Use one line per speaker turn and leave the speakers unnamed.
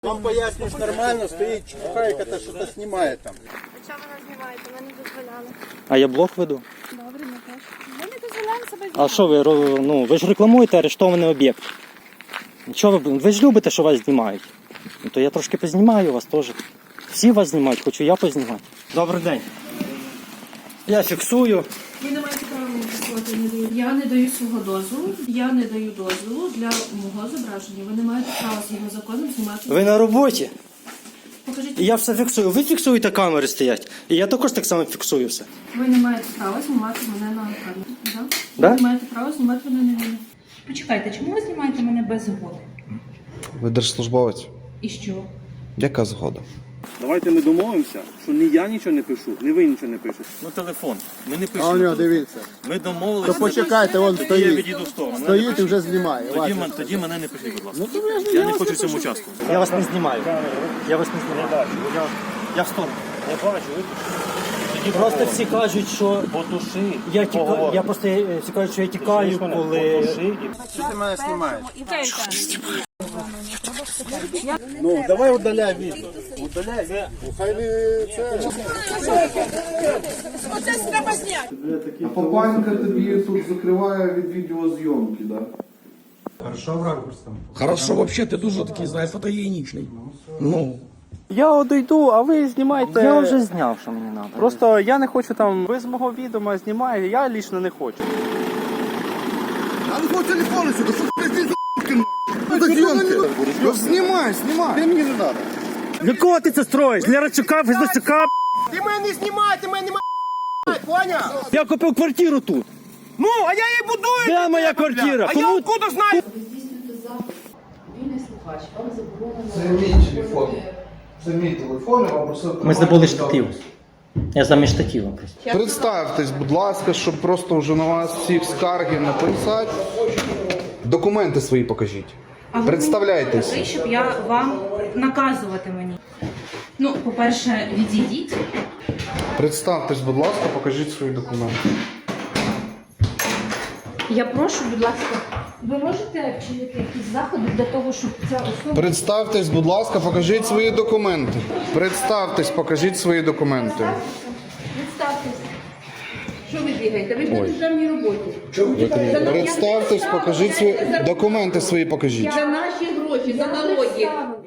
Вам пояснюєш нормально, стоїть чухайка та що-то знімає там.
А чого ви нас знімаєте? Ми не дозволяли.
А я блог веду.
Добре, ми теж. Ми не дозволяємо себе знімати.
А що ви ж рекламуєте арештований об'єкт. Чого ви ж любите, що вас знімають? Ну, то я трошки познімаю вас теж. Всі вас знімають, хочу я познімати. Добрий день. Я фіксую.
Ви не маєте права мені фіксувати, не даю. Я не даю свого дозволу. Я не даю дозволу для мого зображення. Ви не маєте права згідно законом знімати.
Ви на роботі.
Покажіть.
І я все фіксую. Ви фіксуєте, камери стоять. І я також так само фіксую все.
Ви не маєте права знімати мене на камеру. Да?
Да?
Ви не маєте права знімати мене на відео.
Почекайте, чому ви знімаєте мене без згоди?
Ви держслужбовець?
І що?
Яка згода?
Давайте ми домовимося, що ні я нічого не пишу, ні ви нічого не пишете.
Ну телефон. Ми не
А у
пишемо.
нього дивіться.
Ми домовилися.
То почекайте, вон
Я
стоїть.
відійду в сторону.
Стоїть і вже знімає.
Тоді мене не пишіть, будь ласка. Я не хочу в цьому участвувати.
Я вас не знімаю. Я вас не знімаю. Я в сторону.
Не бачу,
Просто всі кажуть, що
потуши.
я тікаю. Я просто всі кажуть, що я тікаю, коли.
Що ти мене знімаєш? Ну, давай удаляй відео. Удаляй відео. Хай не це.
Папанька тобі тут закриває від відеозйомки, так?
Хорошо, вообще ты дуже такий, знаєш, фотогенічний. Ну.
Я одійду, а ви знімайте.
Я вже зняв, що мені треба.
Просто я не хочу там, ви з мого відома знімаєте, я лічно не хочу.
А ну твого телефону сюди, що ти фотозйомки? Ну знімай, знімай.
Ти мені не треба.
Для кого ти це строїш? Для Рачука, Фіздосюка?
Ти мене не знімай, ти мене не поняв?
Я купив квартиру тут.
Ну, а я її будую.
Де моя квартира?
А я откуда знаю?
Це мій телефон. Це мій телефон, я вам просив.
Ми забули штатив. Я замість штатива просто.
Представтесь, будь ласка, щоб просто вже на вас всіх скарги не писати. Документи свої покажіть. Представляйтесь.
Ви, щоб я вам наказувати мені. Ну, по-перше, відійдіть.
Представтесь, будь ласка, покажіть свої документи.
Я прошу, будь ласка, ви можете вчинити якісь заходи для того, щоб ця особа...
Представтесь, будь ласка, покажіть свої документи. Представтесь, покажіть свої документи.
Представтесь. Що ви бігаєте? Ви ж на державній роботі.
Представтесь, покажіть свої документи свої покажіть.
За наші гроші, за налоги.